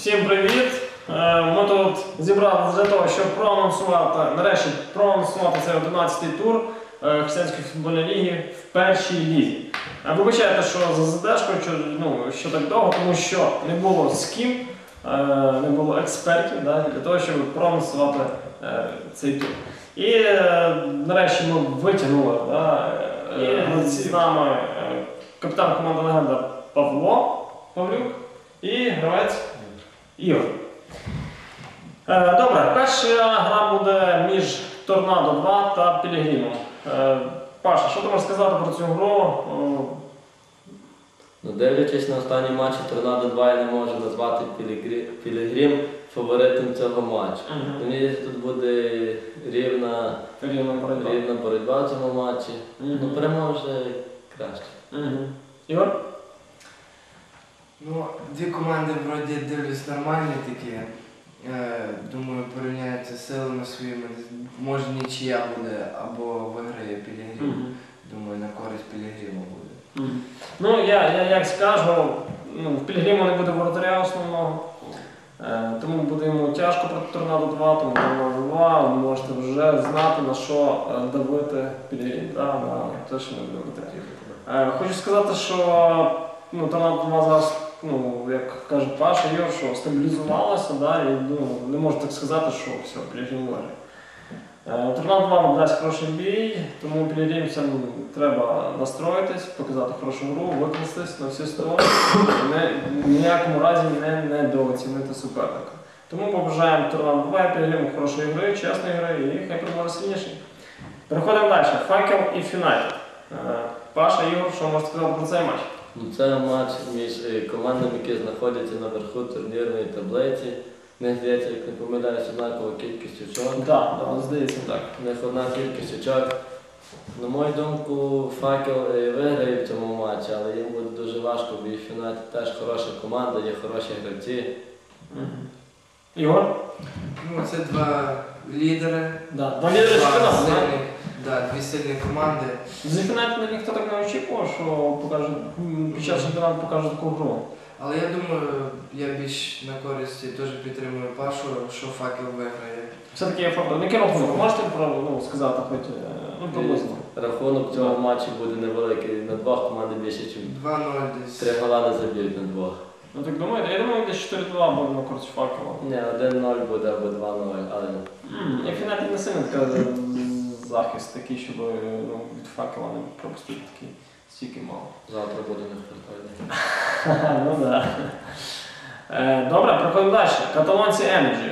Всім привіт! Ми тут зібралися для того, щоб нарешті проанонсувати цей 11-й тур Християнської футбольної ліги в першій лізі. Вибачайте, що за задержкою, що так довго, тому що не було з ким, не було експертів для того, щоб проанонсувати цей тур. І нарешті ми витягнули, з нами капітан команди «Легенда» Павло Павлюк і гравець Ігор. Добре, перша гра буде між Торнадо 2 та Пілігримом. Паша, що ти можеш сказати про цю гру? Дивлячись на останні матчі Торнадо 2, я не можу назвати Пілігрим фаворитом цього матчу. Мені здається, тут буде рівна боротьба в цьому матчі. Перемога вже краще. Ігор? Дві команди вроді дивлюсь нормальні такі. Думаю, порівняються силами своїми. Може нічия буде або виграє Пілігрим. Думаю, на користь Пілігриму буде. Я як скажу, в Пілігриму не буде воротаря основного. Тому буде йому тяжко проти Торнадо 2, тому Торнадо 2 ви можете вже знати, на що давити Пілігрим. Те, що не буде. Хочу сказати, що Торнадо 2 зараз, як каже Паша, Ігор, що стабілізувалося, і не можу так сказати, що все, Пілігрим виграє. Торнадо 2 нам дасть хороший бій, тому пілігримцям треба настроїтись, показати хорошу гру, використатись на всі сторони, в ніякому разі недооцінити суперника. Тому побажаємо Торнадо 2 і Пілігриму хорошої гри, чесної гри і хай переможе сильніший. Переходимо далі. Факел і Фюнайтед. Паша, Ігор, що можете сказати про цей матч? Це матч між командами, які знаходяться наверху турнірної таблиці. В них, здається, як не помиляюсь, однакова кількість очок. Так, здається так. В них одна кількість очок. На мою думку, Факел виграє в цьому матчі, але їм буде дуже важко, бо і Фюнайтед теж хороша команда, є хороші гравці. Ігор? Це два лідери. Два лідери чемпіонату. Дві сильні команди. За Фюнайтед ніхто так не очікував, що під час чемпіонату покаже таку гру. Але я думаю, я більш на користі теж підтримую Пашу, що Факел виграє. Все-таки є факел. Який рахунок? Можете сказати хоч приблизно? Рахунок цього матчу буде невеликий. На двох команди більше, ніж 2-0 десь. 3 гола не заб'ють на двох. Так думаєте? Я думаю, десь 4-2 буде на користь Факела. Ні, 1-0 буде або 2-0, але... І Фюнайтед не сильно захист такий, щоб від Факела не пропустити такий стільки мало. Завтра буде не впертати. Добре, проходимо далі. Каталонці Енерджі.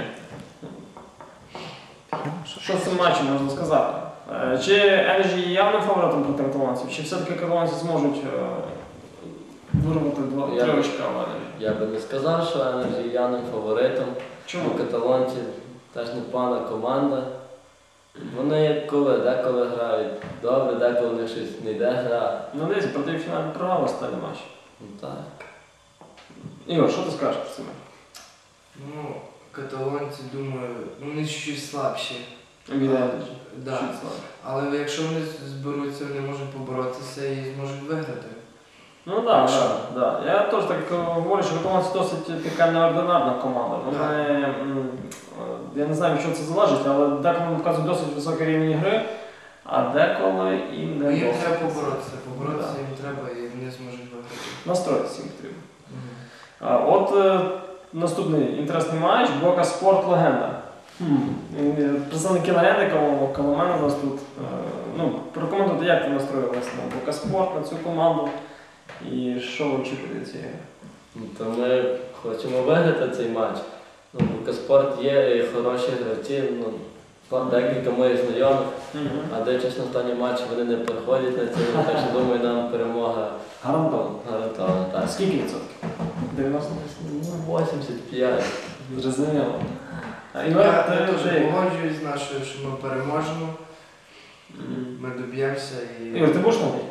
Що з цим матчем можна сказати? Чи Енерджі є явним фаворитом проти каталонців? Чи все-таки каталонці зможуть вирвати 3 очка в Енерджі? Я би не сказав, що Енерджі є явним фаворитом. Чому? Каталонці теж непогана команда. Вони деколи грають добре, деколи в них щось не йде гра. Дивіться, проти фіналі програли останній матч. Так. Ігор, що ти скажеш про це? Каталонці, думаю, вони чуть слабші. Да. Але якщо вони зберуться, вони можуть поборотися і зможуть виграти. Так. Я теж так говорю, що каталонці досить така неординарна команда. Я не знаю, від чого це залежить, але деколи вони показують досить високий рівень гри, а деколи їм не їм треба поборотися. Поборотися їм треба і вони зможуть виграти. Настроїтися їм потрібно. Наступний інтересний матч – Бока Спорт Легенда. Представники Легенди, коло мене нас тут. Прокоментуйте, як ви настроїлися на Бока Спорт, на цю команду і що ви очікуєте цієї гри? То ми хочемо виграти цей матч. Бока Спорт є хороші гравці, декілька моїх знайомих, а дивлячись на останні матчі вони не приходять на цей матч, так що думаю, нам перемога гарантована. Так. Скільки відсотків? 90? 85. Зрозуміло. Я теж погоджуюсь з нашою, що ми переможемо, ми доб'ємося і... Ігор, ти будеш на грі?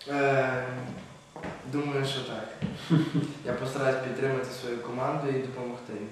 Думаю, що так. Я постараюсь підтримати свою команду і допомогти їм.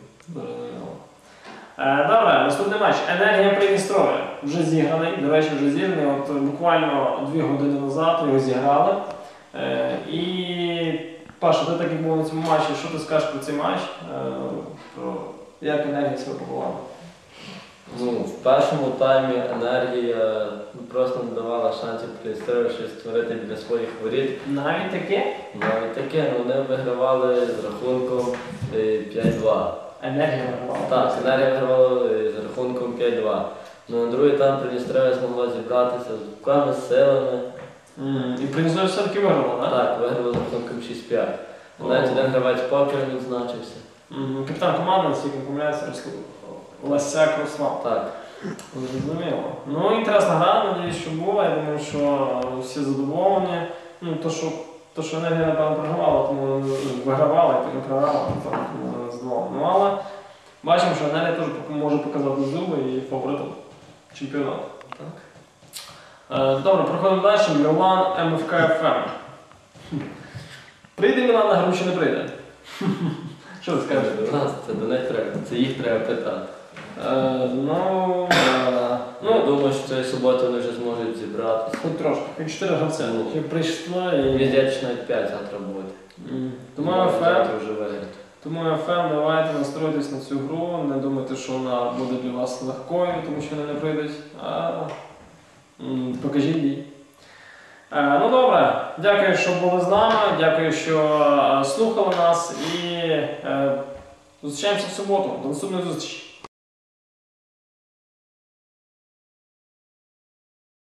Добре, наступний матч. Енергія Придністров'я. Вже зіграний, до речі, вже зіграний. Буквально 2 години назад його зіграли. І Паша, ти так як був на цьому матчі, що ти скажеш про цей матч? Про як енергія себе побувала? Ну, в першому таймі енергія просто не давала шансів Придністров'ю щось створити біля своїх воріт. Навіть таке? Навіть таке, ну, вони вигравали з рахунком 5-2. Енергія вигравала. Так, енергія вигравала з рахунком 5-2. Ну, на другий тайм Придністров'я змогла зібратися з руками, з силами. І Придністров'я все-таки виграла, так? Так, виграли з рахунком 6-5. Навіть один гравець покер відзначився. Капітан команди, наскільки не помиляється, Ласяк Руслан. Так. Зрозуміло. Ну, інтересна гра, надіюсь, що була. Я думаю, що всі задоволені. Ну, то, що енергія, напевно, програвала, тому вигравала, і тому програвала, тому не задоволена. Ну, але бачимо, що енергія теж може показати зуби і фаворитом чемпіонату. Так. Добре, проходимо далі. Мілан МФК ФМ. Прийде Мілан на гру чи не прийде? Що ти скажеш? До нас це до них треба, це їх треба питати. Я думаю, що цієї суботи вони вже зможуть зібратися. Хоч трошки, хоч 4 гравця. Ще прийшла і... Мені здається, що навіть 5 завтра буде. Тому Завтра ФМ, вже виграти. давайте настройтесь на цю гру, не думайте, що вона буде для вас легкою, тому що вони не прийдуть, а покажіть їй. Ну добре, дякую, що були з нами, дякую, що слухали нас і зустрічаємося в суботу. До наступної зустрічі.